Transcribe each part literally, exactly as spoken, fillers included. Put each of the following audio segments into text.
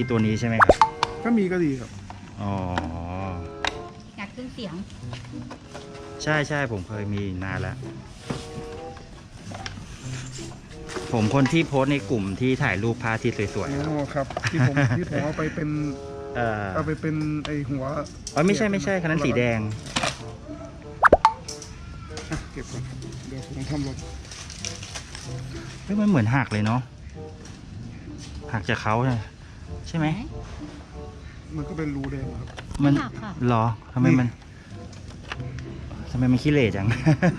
ตัวนี้ใช่ไหมครับก็มีก็ดีครับอ๋ออยากขึ้นเสียงใช่ใช่ผมเคยมีนานแล้วผมคนที่โพสในกลุ่มที่ถ่ายรูปพระอาทิตย์สวยๆอ๋อครับที่ผมที่ผมเอาไปเป็นเออเอาไปเป็นไอหัวอ๋อไม่ใช่ไม่ใช่คันนั้นสีแดงเก็บก่อนเดี๋ยวผมทำรถเฮ้ยมันเหมือนหักเลยเนาะหักจากเขาใช่ไหมมันก็เป็นรูแดงครับมันหรอทำไมมันทำไมมันขี้เหร่จัง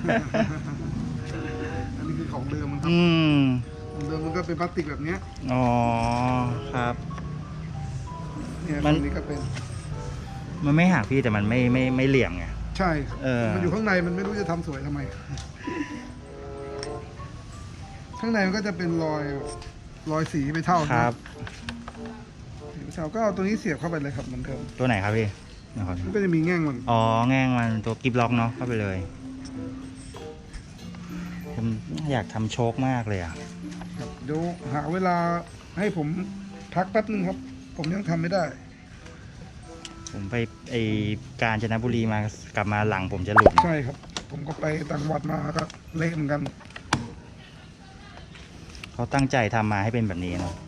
อันนี้คือของเดิมมันครับอืมของเดิมมันก็เป็นพลาสติกแบบนี้อ๋อครับเนี่ยมันนี้ก็เป็นมันไม่หักพี่แต่มันไม่ไม่ไม่เหลี่ยมไงใช่เออมันอยู่ข้างในมันไม่รู้จะทำสวยทำไมข้างในมันก็จะเป็นรอยรอยสีไปเท่าครับสีไปเท่าก็เอาตัวนี้เสียบเข้าไปเลยครับเหมือนเดิมตัวไหนครับพี่มันก็จะมีแง่งมันอ๋อแง่งมันตัวกิบล็อกเนาะเข้าไปเลยผมอยากทำโชคมากเลยอ่ะเดี๋ยวหาเวลาให้ผมพักแป๊บนึงครับผมยังทำไม่ได้ผมไปไอกาญจนบุรีมากลับมาหลังผมจะหลุดใช่ครับผมก็ไปต่างจังหวัดมาก็เละเหมือนกันเขาตั้งใจทำมาให้เป็นแบบนี้เนาะ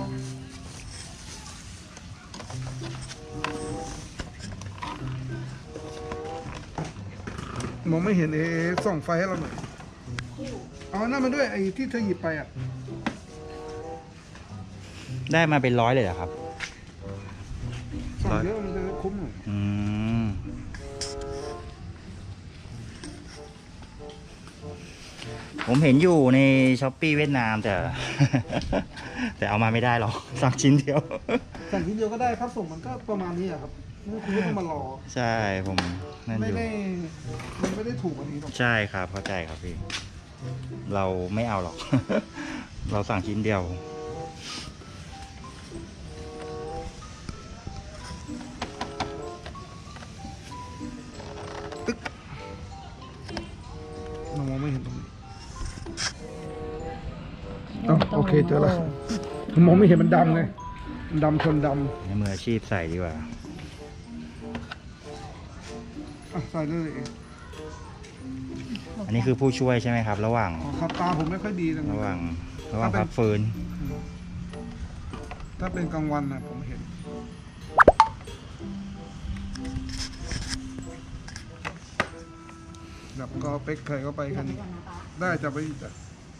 มองไม่เห็นเอส่องไฟให้เราหน่อยเอาหน้ามาด้วยไอ้ที่เธอหยิบไปอ่ะได้มาเป็นร้อยเลยเหรอครับส่องเยอะมันจะคุ้มหน่อยอืมผมเห็นอยู่ในช้อปปี้เวียดนามแต่แต่เอามาไม่ได้หรอกสั่งชิ้นเดียวสั่งชิ้นเดียวก็ได้ครับส่งมันก็ประมาณนี้ครับคุณไม่ต้องมารอใช่ผมไม่ได้มันไม่ได้ถูกอันนี้หรอกใช่ครับเข้าใจครับพี่เราไม่เอาหรอกเราสั่งชิ้นเดียวตึ๊กมองไม่เห็นตรงนี้โอเคเจอแล้วมองไม่เห็นมันดำไงดำชนดำให้มืออาชีพใส่ดีกว่าใส่เลยอันนี้คือผู้ช่วยใช่ไหมครับระหว่างครับตาผมไม่ค่อยดีระหว่างระหว่างพักฟื้นถ้าเป็นกลางวันนะผมเห็นดับก็เป๊กเคยก็ไปคันนี้ได้จะไปจ้ะ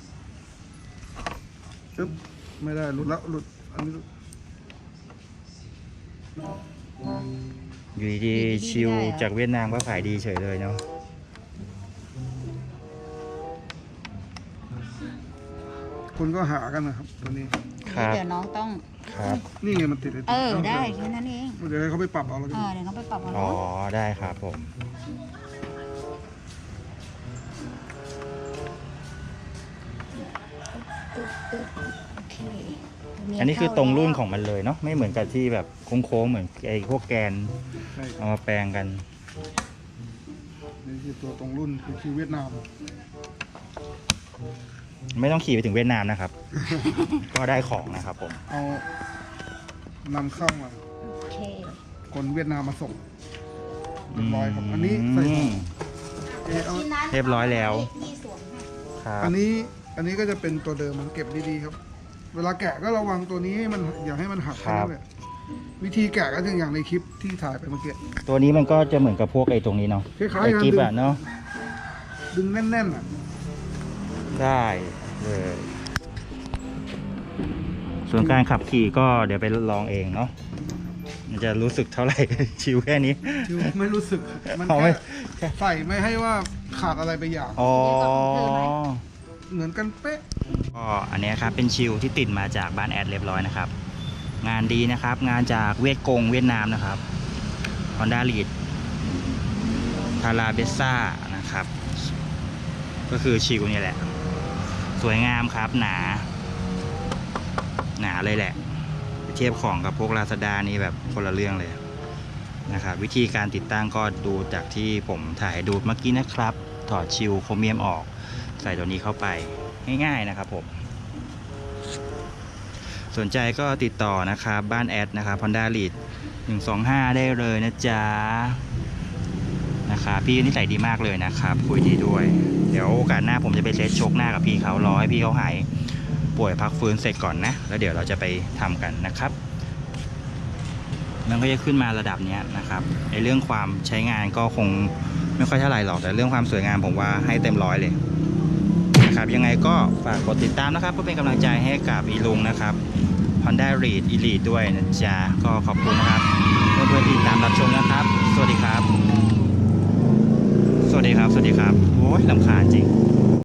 จึ๊บไม่ได้หลุดแล้วหลุดอันนี้อยู่ดีชิวจากเวียดนามก็ขายดีเฉยเลยเนาะคนก็หากันนะครับตัวนี้เดี๋ยวน้องต้องครับนี่ไงมันติดเออได้แค่นั้นเองเดี๋ยวให้เขาไปปรับเอาแล้วเออเดี๋ยวเขาไปปรับเอาอ๋อได้ครับผมอันนี้คือตรงรุ่นของมันเลยเนาะไม่เหมือนกับที่แบบโค้งๆเหมือนไอ้พวกแกนเอามาแปลงกันนี่คือตัวตรงรุ่นคือคิวเวียดนามไม่ต้องขี่ไปถึงเวียดนามนะครับ ก็ได้ของนะครับผมเอานำเข้ามาคนเวียดนามมาส่งเรียบร้อยครับอันนี้ใส่เรียบร้อยแล้วอันนี้อันนี้ก็จะเป็นตัวเดิมมันเก็บดีๆครับเวลาแกะก็ระวังตัวนี้ให้มันอย่าให้มันหักครับวิธีแกะก็อย่างในคลิปที่ถ่ายไปเมื่อกี้ตัวนี้มันก็จะเหมือนกับพวกไอ้ตรงนี้เนาะคล้ายๆกันดึงเนาะดึงแน่นๆอ่ะได้เลยส่วนการขับขี่ก็เดี๋ยวไปลองเองเนาะมันจะรู้สึกเท่าไหร่ชิวแค่นี้ชิวไม่รู้สึกมันแค่ใส่ไม่ให้ว่าขาดอะไรไปอย่างอ๋อเหมือนกันเป๊ะก็อันนี้ครับเป็นชิลที่ติดมาจากบ้านแอดเรียบร้อยนะครับงานดีนะครับงานจากเวียดกงเวียดนามนะครับ Honda Lead ทาราเบซ่านะครับก็คือชิลนี่แหละสวยงามครับหนาหนาเลยแหละเทียบของกับพวก Lazada นี่แบบคนละเรื่องเลยนะครับวิธีการติดตั้งก็ดูจากที่ผมถ่ายดูเมื่อกี้นะครับถอดชิลโครเมียมออกใส่ตัวนี้เข้าไปง่ายๆนะครับผมสนใจก็ติดต่อนะครับบ้านแอดนะครับ Honda Lead หนึ่งสองห้าได้เลยนะจ๊ะนะครับพี่นิสัยดีมากเลยนะครับคุยดีด้วยเดี๋ยวโอกาสหน้าผมจะไปเซตโชคหน้ากับพี่เขารอให้พี่เขาหายป่วยพักฟื้นเสร็จก่อนนะแล้วเดี๋ยวเราจะไปทำกันนะครับมันก็จะขึ้นมาระดับนี้นะครับในเรื่องความใช้งานก็คงไม่ค่อยเท่าไหร่หรอกแต่เรื่องความสวยงามผมว่าให้เต็มร้อยเลยนะครับยังไงก็ฝากกดติดตามนะครับเพื่อเป็นกำลังใจให้กับอีลุงนะครับ Honda Lead Elite ด้วยนะจ๊ะก็ขอบคุณนะครับเพื่อนๆที่ติดตามรับชมนะครับสวัสดีครับสวัสดีครับสวัสดีครับโอ้ยรำคาญจริง